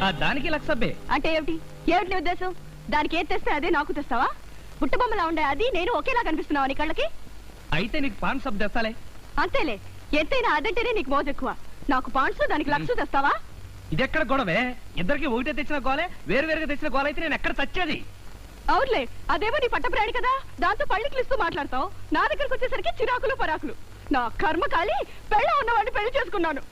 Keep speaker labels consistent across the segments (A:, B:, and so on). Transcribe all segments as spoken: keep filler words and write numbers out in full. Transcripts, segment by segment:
A: దానికి లక్ష సబ్బే
B: అంటే ఏమిటి? ఏమిటి నీ ఉద్దేశం? దానికి ఏది తెస్తే అదే నాకు తెస్తావా? బుట్టబొమ్మలా ఉండే అది నేను ఒకేలా కనిపిస్తున్నావా నీ కళ్ళకి?
A: అయితే నీకు పాన్ సబ్ తెస్తాలే.
B: అంతేలే, ఎంతైనా అదంటేనే నీకు మోజు ఎక్కువ. నాకు పాండ్స్ దానికి లక్ష తెస్తావా?
A: ఇదెక్కడ గొడవే? ఇద్దరికి ఒకటే తెచ్చిన గోలే, వేరు వేరుగా తెచ్చిన గోల అయితే నేను ఎక్కడ చచ్చేది?
B: అవునులే, అదేమో నీ పట్టప్రాణి కదా, దాంతో పళ్ళికిలిస్తూ మాట్లాడతావు. నా దగ్గరకు వచ్చేసరికి చిరాకులు పరాకులు. నా కర్మ కాలి పెళ్ళ ఉన్నవాడిని పెళ్లి చేసుకున్నాను.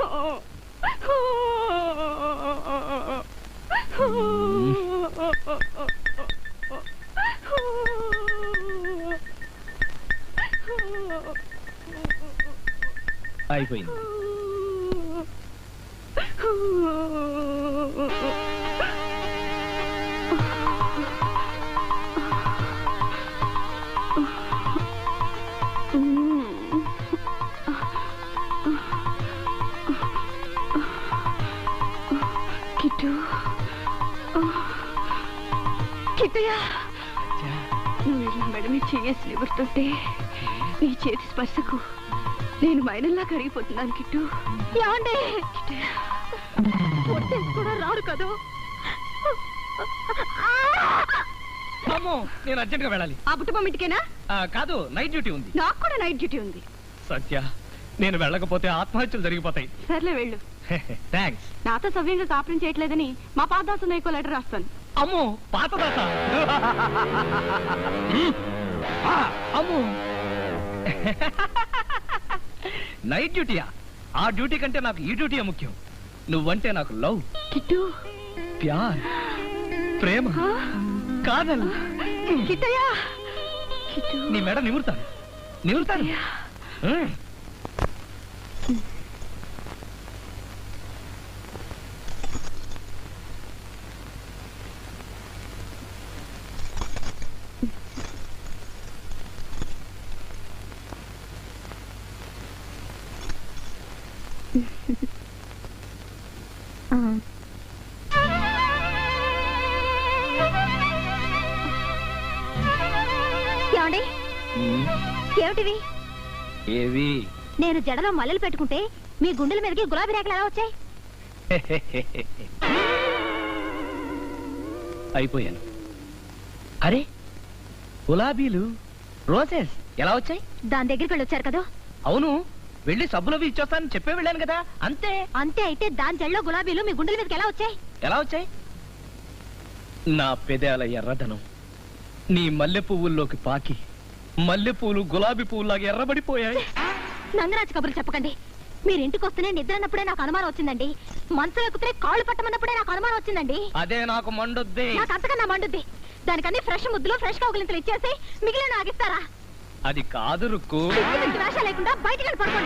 A: అయిపోయింది.
B: కిట్టు, కిట్టయ్యా, నువ్వు ఇలా మెడమి చేసి నిబడుతుంటే నీ చేతి స్పర్శకు నేను మైనల్లా కరిగిపోతున్నాను. కిట్టు ఏమంటే కూడా రాడు కదా.
A: అమ్మో, నేను అర్జెంట్ గా వెళ్ళాలి.
B: ఆ బుట్టబొమ్మ ఇంటికేనా?
A: కాదు, నైట్ డ్యూటీ ఉంది.
B: నాకు కూడా నైట్ డ్యూటీ ఉంది.
A: సత్య, నేను వెళ్ళకపోతే ఆత్మహత్యలు జరిగిపోతాయి.
B: సర్లే వెళ్ళు.
A: థ్యాంక్స్.
B: నాతో సవ్యంగా కాపురం చేయట్లేదని మా పాతదాసు నీకో లెటర్ రాస్తాను.
A: అమ్మో, పాతదాస? అమ్మో, నైట్ డ్యూటీయా? ఆ డ్యూటీ కంటే నాకు ఈ డ్యూటీయే ముఖ్యం. నువ్వంటే నాకు లవ్,
B: కిట్టు,
A: ప్యార్, ప్రేమ, కాదల్.
B: కిట్టయ్యా,
A: నీ మెడ నిమురుతాను, నిమురుతాను.
B: ఏమండి? ఏమిటివి?
A: ఏవి?
B: నేను జడలో మల్లెలు పెట్టుకుంటే మీ గుండెల మీదకి గులాబీ రేఖలు ఎలా వచ్చాయి?
A: అయిపోయాను. అరే, గులాబీలు, రోజెస్ ఎలా వచ్చాయి?
B: దాని దగ్గరికి వెళ్ళి వచ్చారు కదా.
A: అవును, వెళ్ళి సబ్బులవి ఇచ్చొస్తానని చెప్పే వెళ్ళాను కదా. అంతే.
B: అంతే అయితే దాని జడలో గులాబీలు మీ గుండెల మీదకి ఎలా వచ్చాయి?
A: ఎలా వచ్చాయి? నా పెదాల ఎర్రదనం నీ మల్లె పువ్వుల్లోకి పాకి మల్లె పువ్వులు గులాబీ పువ్వులాగా ఎర్రబడిపోయాయి.
B: నంగరాజు కబుర్లు చెప్పకండి. మీరు ఇంటికి వస్తేనే నిద్ర అన్నప్పుడే నాకు అనుమానం వచ్చిందండి. మనసులో ఎక్కితే కాళ్ళు పట్టమన్నప్పుడే నాకు అనుమానం వచ్చిందంది.
A: అదే నాకు మండుద్ది.
B: నాకు అంతకన్నా మండుద్ది. దానికన్నీ ఫ్రెష్ ముద్దులు ఫ్రెష్ కౌగులింతలు ఇచ్చేసి మిగిలిన ఆగిస్తారా?
A: అది కాదు రుక్కు.
B: వేష లేకుండా బయటికి పడుకోండి.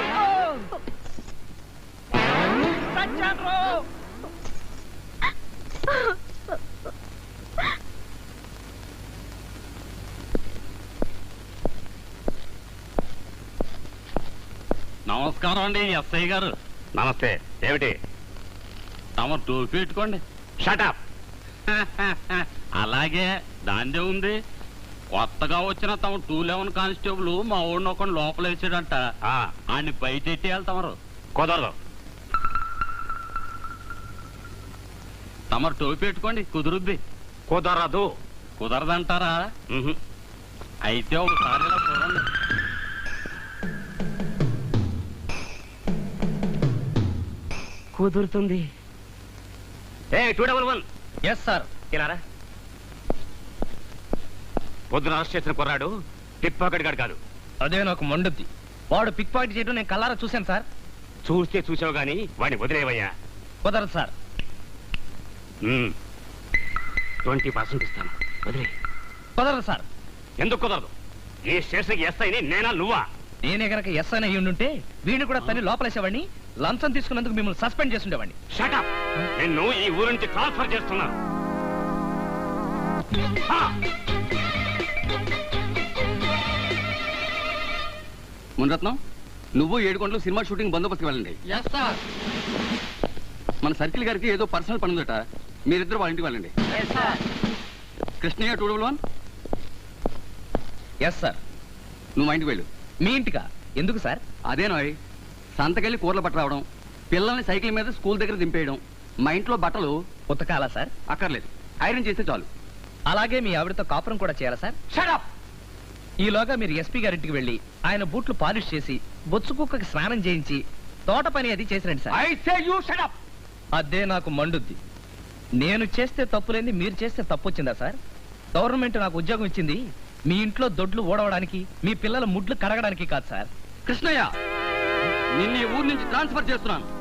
C: నమస్కారం అండి ఎస్ఐ గారు.
D: నమస్తే. ఏమిటి?
C: తమ టోపీ పెట్టుకోండి.
D: షటప్.
C: అలాగే దాందే ఉంది. కొత్తగా వచ్చిన తమ టూ లెవెన్ కానిస్టేబుల్ మా ఊడిని ఒక లోపల వేసాడంట. ఆడిని బయట ఎట్టేయాలి తమరు.
D: కుదరదు.
C: తమరు టోపీ పెట్టుకోండి, కుదురుద్ది.
D: కుదరదు.
C: కుదరదంటారా? అయితే ఒకసారి ఇలా చూడండి.
A: కుదురుతుంది.
D: A two double one.
A: Yes sir.
D: ఇలారా. పొద్దున అరెస్ట్ చేసిన కుర్రాడు పిక్ పాకెట్ గాడు కాదు.
A: అదే నాకు మండుద్ది. వాడు పిక్ పాకెట్ చేయడం నేను కల్లారా చూశాను సార్.
D: చూస్తే చూసావు గాని వాడిని వదిలేవయ్యా.
A: కుదరదు సార్.
D: ట్వంటీ పర్సెంట్ ఇస్తాను, వదిలే.
A: కుదరదు సార్.
D: ఎందుకు కుదరదు? ఈ స్టేషన్కి ఎస్ఐని నేనా నువ్వా?
A: నేనే గనక ఎస్ అని అయ్యి ఉండుంటే వీడిని కూడా తన్ని లోపలేసేవాడిని. లంచం తీసుకున్నందుకు మిమ్మల్ని సస్పెండ్ చేసి ఉండేవాడిని.
D: షటప్. నిన్ను ఈ ఊరు నుంచి ట్రాన్స్ఫర్ చేస్తున్నా.
E: మునరత్నం, నువ్వు ఏడుకొండలు సినిమా షూటింగ్ బందోబస్తుకి వెళ్ళండి. మన సర్కిల్ గారికి ఏదో పర్సనల్ పని ఉందట, మీరిద్దరు వాళ్ళ ఇంటికి వెళ్ళండి. Krishnaiah two double one.
A: Yes sir.
E: నువ్వు మా ఇంటికి వెళ్ళు.
A: మీ ఇంటికా? ఎందుకు సార్?
E: అదేనోయ్, సంతకెళ్ళి కూరలు పట్టు రావడం, పిల్లల్ని సైకిల్ మీద స్కూల్ దగ్గర దింపేయడం, మా ఇంట్లో బట్టలు
A: ఉతకాలా సార్?
E: అక్కర్లేదు, ఐరన్ చేస్తే చాలు.
A: అలాగే మీ ఆవిడతో కాపురం కూడా చేయాలా సార్?
E: షడప్!
A: ఈలోగా మీరు ఎస్పీ గారింటికి వెళ్ళి ఆయన బూట్లు పాలిష్ చేసి బొచ్చు కుక్కకి స్నానం చేయించి తోట పని అది చేసిరండి sir.
E: I say you shut up!
A: అదే నాకు మండుద్ది. నేను చేస్తే తప్పులేంది మీరు చేస్తే తప్పు వచ్చిందా సార్? గవర్నమెంట్ నాకు ఉద్యోగం ఇచ్చింది మీ ఇంట్లో దొడ్లు ఓడవడానికి, మీ పిల్లల ముడ్లు కడగడానికి కాదు సార్.
E: కృష్ణయ్య, నిన్ను ఈ ఊరు నుంచి ట్రాన్స్ఫర్ చేస్తున్నాను.